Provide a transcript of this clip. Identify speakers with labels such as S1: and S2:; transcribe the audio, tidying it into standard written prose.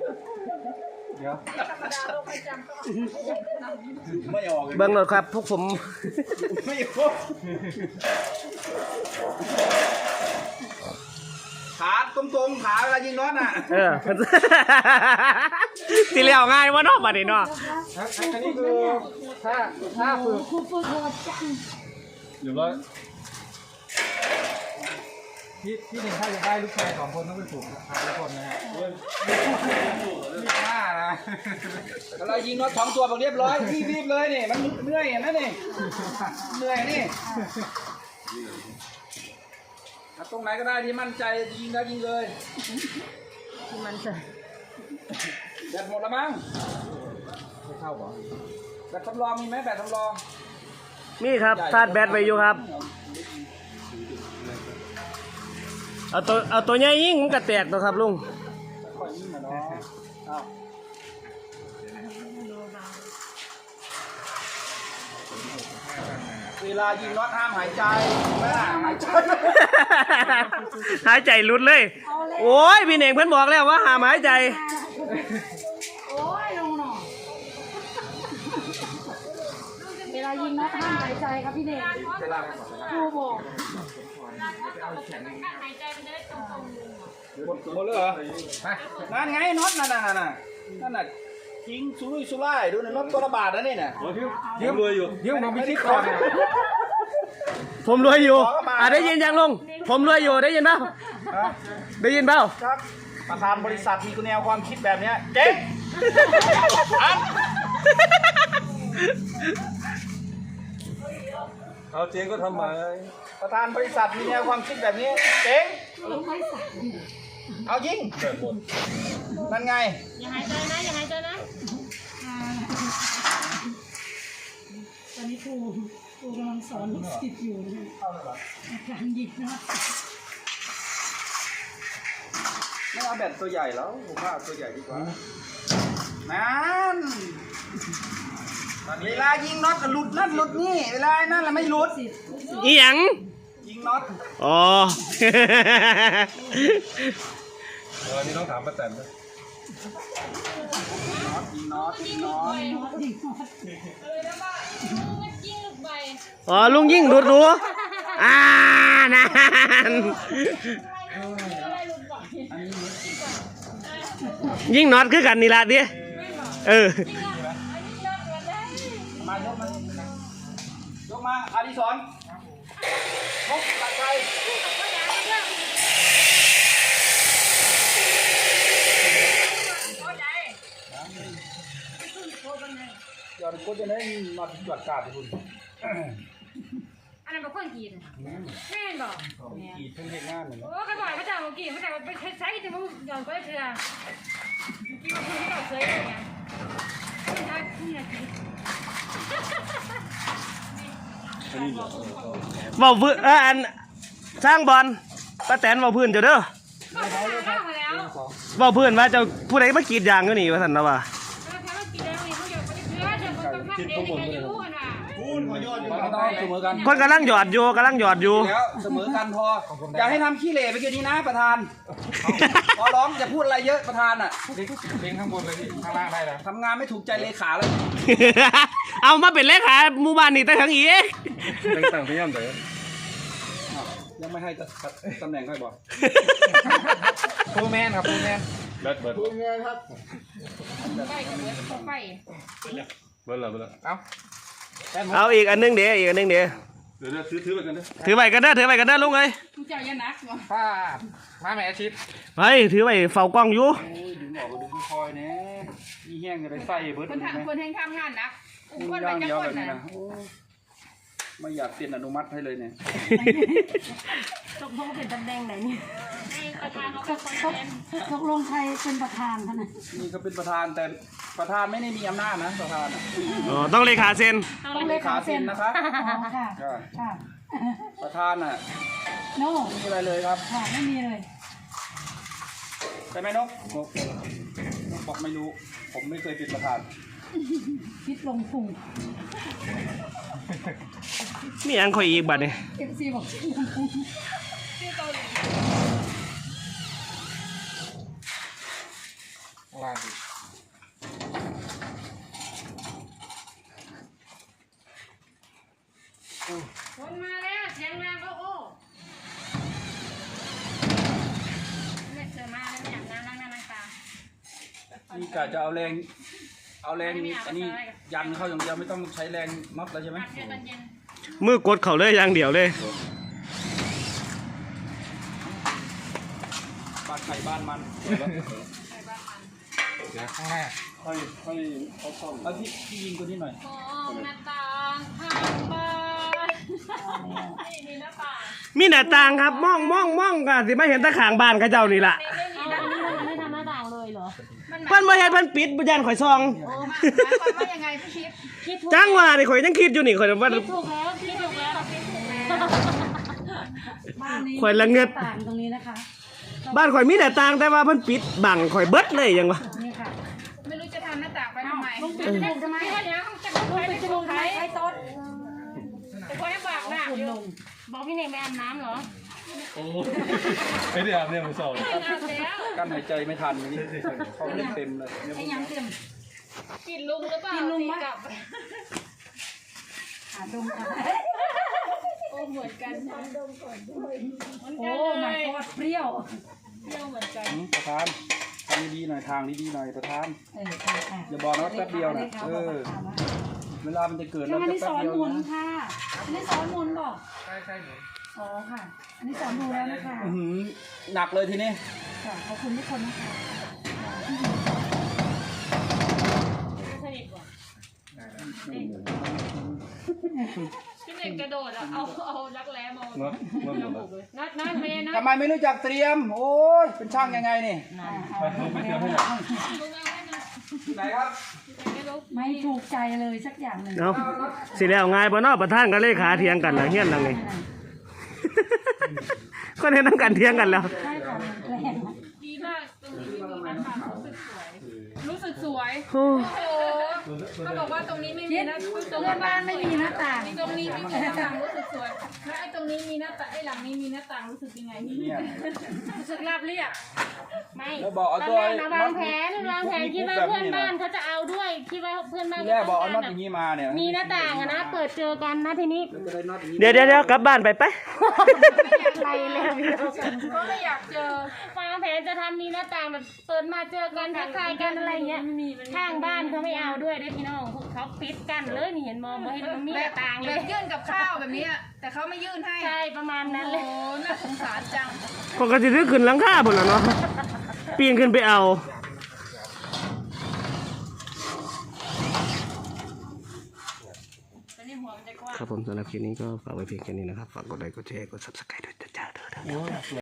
S1: เดี๋ยว
S2: เบิ่งรถครับพวกผม
S1: ไม่ครบขาตรงๆขาเวลายิงน็อตน่ะ
S2: สิเลี้ยวง่ายว่าน้องบัดนี้เนาะ
S1: อันนี้คือถ้าฝึกอยู่ร้อยพี่หนึ่งถ้าจะได้ลูกชาย2 คนต้องไปฝึกทุกคนนะฮะรีบนะเรายิงน็อต2 ตัวแบบเรียบร้อยรีบเลยนี่มันเหนื่อยเห็นไหมนี่เหนื่อยนี่ตรงไหนก็ได้ที่มั่นใจยิงแล้วยิงเลย
S3: ที่มั่นใจ
S1: แบตหมดแล้วมั้งไม่เข้าหรอแบตสำรองมีไหมแบตสำรอง
S2: มีครับชาร์จแบตไว้อยู่ครับเอาตัวใหญ่ยิ่งมันก็แตกตัวครับลุง
S1: ค่อยยิงนะเนาะเวลายิงน็อตห้ามหายใจ
S2: หายใจหลุดเลยโอ้ยพี่เน่งเพิ่นบอกแล้วว่าห้ามหายใจ
S3: โอ้ยลงหน่อเวลายิงน็อตห้ามหายใจครับพี่เน่งครูบอก
S1: หมดเลยเหรอนั่นไงน็อตนั่นน่ะทิ้งสุร่ายดูนะน็อตตัวละบาทนะนี่น่ะยืมรวยอยู่ยืมผมไม่คิดก่อน
S2: ผมรวยอยู่ได้ยินยังลุงผมรวยอยู่ได้ยินเปล่าได้ยินเปล่า
S1: ครับประธานบริษัทมีแนวความคิดแบบนี้เจ๊ง
S4: เอาเจ๊งก็ทำไม
S1: ประธานบริษัทมีแนวความคิดแบบนี้เจ๊งเอายิงนั่นไง
S3: อย่าหายใจนะอย่าหายใจนะตอนนี้ครูกำลังสอนลูกศิษย์อยู่นะการหยิบนะ
S1: ไม่เอาแบตตัวใหญ่แล้วผมว่าตัวใหญ่ดีกว่านั่นเวลายิงน็อตหลุดนั่นหลุดนี่เวลานั่นแหละไม่หลุด
S2: อีหยัง
S1: ยิงน็อต
S2: อ๋อ
S4: อันนี้ต้องถามป้าแตนนะ
S1: ยิงน็อต
S2: อ๋อลุงยิ่งหลุดรู้นั่นยิ่งน็อตคือกันนี่ละดิ
S1: มายกมาอดิศรยกตัดใจยอดโคตรจะได้มาจอดกาดคุณ
S3: อันนั้นเป็นคนกีดแม่นบอก
S1: กีดเพิ่งเห็นงานเหมือน
S3: โอ้กระบอกพระเจ้ากีดพระเจ้าไปใช้ถึงมึงย้อนก็ได้เถื่อกีดคุณที่เราเคยเนี่ยใช่นี่นะกีด
S2: เบาพื้นอันสร้างบอลป้าแตนเบาพื้นเจ้าเด้อเบาพื้นว่าเจ้าผู้ใดมากีดยางก็หนีว่าสันนะว่าคนกำลังหยอดอยู่
S1: แล้วเสมอกันพออย่าให้ทำขี้เหร่ไปเกี่ยวนี้นะประธานพอร้องจะพูดอะไรเยอะประธานอ่ะ
S4: เลี้ยงข้างบนเลยข้างล่างได้แล้ว
S1: ทำงานไม่ถูกใจเลขาเลย
S2: เอามาเป็นเลขาหมู่บ้านนี่ตั้งทั้งอี
S4: ต่างพยายามแต่
S1: ยังไม่ให้ตำแหน่งค่อยบอก
S4: ฟูแมนครับฟูแมนเบิร์ดฟูแมนครับ
S3: ไปกับเบิร์ดไป
S4: เบิร์ด
S2: เอาอีกอันนึงเดี๋ยวเ
S4: ดี๋ยวถือไปกันนะ
S2: ถือไปกันได้ลุงเลย
S3: เจ้ายันนักวะ
S4: ป้ามาแม่อาชีพ
S2: ไปถือไปเฝ้ากล้องอยู่
S1: ดึงออกดึงคอยเนี่ยมีแห้งอะไรใส่เบิร์ด
S3: คนแห้งข้ามงานนะ
S1: คนไปจะคนนะไม่อยากเซ็นอนุมัติให้เลยเนี่ย
S3: ตกลงเป็นตำแหน่งไหนเนี่ยประธานเขาเป็นคนตกลงใครเป็นประธานท่านน่ะ
S1: นี่ก็เป็นประธานแต่ประธานไม่ได้มีอำนาจนะประธาน
S2: ต้องเลขาเซ็น
S1: ต้องเลขาเซ็นนะครับประธานน่ะ
S3: โน่
S1: ไม่มีอะไรเลยครับ
S3: ไม่มีเลย
S1: ใช่ไหมนกบอกไม่รู้ผมไม่เคยเป็นประธาน
S3: คิดลงพุง
S2: มีอันคอยอีกบัดเนี่ย
S3: FC บอก
S1: โอ้
S4: ล่างอีก
S3: คนมาแล้วเสียงดังโอ้เนี่ยเสือมาแล้วเนี่ยน้ำล้างหน้าล้างตา
S1: นี่กะจะเอาแรงอันนี้ยันเข้าอย่างเดียวไม่ต้องใช้แรงน็อตแล้วใช่ไหม
S3: พักเดี๋ยวตอนเย็น
S2: มือกดเขาเลยอย่างเดียวเลย
S1: บ้านใครบ้านมัน
S3: ไปบ้านมัน
S4: เดี๋ยวข้างหน้า
S1: เอาพี่ยิงตัวนี้หน่อย
S3: มองหน้าต่างทางบ้านนี่มีหน้าต่าง
S2: มีหน้าต่างครับมองกันสิมาเห็นตะขางบ้านเขาเจ้านี่ล่ะ
S3: ไม่มีหน้าต่างไม่ทำหน้าต่างเลยเหรอ
S2: เพิ่นบ่เฮ็ดเพิ่นปิดบ่ยันข่อยซอง
S3: หมายความว่ายังไงพี่ชิปคิดถูก
S2: จังว่านี่ข่อยยังคิดอยู่นี่ข่อยว่า
S3: คิดถูกแล้วคิดถูกแล้วคิดถูกแล้วบ้านนี้
S2: ข่อยละเงิด
S3: ต่างตรงนี้นะคะ
S2: บ้านข่อยมีหน้าต่างแต่ว่าเพิ่นปิดบังข่อยเบิดเลยยังวะ
S3: นี่ค่ะไม่รู้จะทำหน้าต่างไปทำไมลุงปิดจมูกทำไมเดี๋ยวจะลุงปิดจมูกใครต้นแต่คนให้บอกนะบอกพี่เนยไปอาบน้ำเหรอ
S4: ไม่ได้อาบเนี่ยมือสอง
S3: ไม่อาบแล้ว
S1: กั้นหายใจไม่ทันนี่เขาเล่นเต็มเลยเนี่ย
S3: ไอ้ยังเต็มกินลุงหรือเปล่ากินลุงกับดมกันโอ้เหมือนกันดมก่อนด้วยโอ้มันก็เปรี้ยวเหมือนกัน
S1: ประธานทำดีๆหน่อยทางดีๆหน่อยประธานอย่าบอกนะว่าแป๊บเดียวนะเวลามันจะเกิดแล้ว
S5: อัน
S1: จะ
S5: นี้
S1: แป๊
S5: ส
S1: บ
S5: อน
S1: เดียว
S5: หมุน
S1: นะ
S5: ค่ะ อันนี้สอนหมุนบอก
S4: ใช่หนู
S5: อ๋อค่ะ อันนี้สอนดูแล้วนะคะ
S1: หนักเลยทีนี้
S5: ค่ะขอบคุณทุกคนนะคะ
S3: สนิทกว่าพี่เน่งกระโดดอ่ะเอารักแร้มานัดเมย์นัด
S1: ทำไมไม่รู้จักเตรียม โอ้ยเป็นช่างยังไงนี่
S4: ไปเจอให้หน่อย
S3: ลุงเอาให้นะ
S1: ไหนครับ
S3: ไม่รู้
S5: ไม่ถูกใจเลยสักอย่างหนึ่ง
S2: เนาะสิแล้วง่ายบ่เนาะประธานกับเลขาเถียงกันนะเฮียนหลังนี่ ก็เห็นนำกันเถียงกันแล้ว
S5: ใช่ค่ะแรง
S3: ดีมากตรงนี้ไม่มีหน้าต่างรู้สึกสวย
S2: โอ้
S3: โอ้โหเขาบอกว่าตรงนี้ไม่มี
S5: คิด
S3: หน้า
S5: เพื่อนบ้านไม่มีหน้าต่าง
S3: ตรงนี้ไม่มีหน้าต่างรู้สึกสวยแล้วไอ้ตรงนี้มีหน้าต่างไอ้หลังนี้มีหน้าต่างรู้สึกยังไง
S1: เนี่ย
S3: รู้สึกราบเรียบไม่
S1: แล้วบอกเอาตัว
S3: วางแผนคิดว่าเพื่อนบ้านเขาจะเอาด้วยคิดว่าเพื่อนบ้าน
S1: ที่แรกบอกเอาน็อตอย่างนี้มาเนี่ย
S3: มีหน้าต่างอะนะเปิดเจอกันนะทีนี้
S1: จะได้น็อตอย่างนี้
S2: เดี๋ยวกลับบ้านไปไป
S3: ไปแล้วก็ไม่อยากเจอวางแผนจะทำมีหน้าต่างแบบเปิดมาเจอกันทักทายกันอะไรเงี้ยข้างบ้านเขาไม่เอาด้วยพี่น้องเขาปิดกันเลยนี่เห็นมองไม่เห็นมันมีหน้าต่างเลย
S6: ยื่นกับข้าวแบบนี้แต่เขาไม่ยื่นให้
S3: ใช่ประมาณนั้นเลย
S6: โอ้น่าสงสารจัง
S2: ปกติซื้อขึ้นหลังคาพุ่นล่ะเนาะปีนขึ้นไปเอา
S3: ตอนนี้หัวมันจะกว้าง
S2: ครับผมสำหรับคลิปนี้ก็ฝากไว้เพียงแค่นี้นะครับ ฝากกดไลค์กดแชร์กด Subscribe ด้วยจ้าเด้อ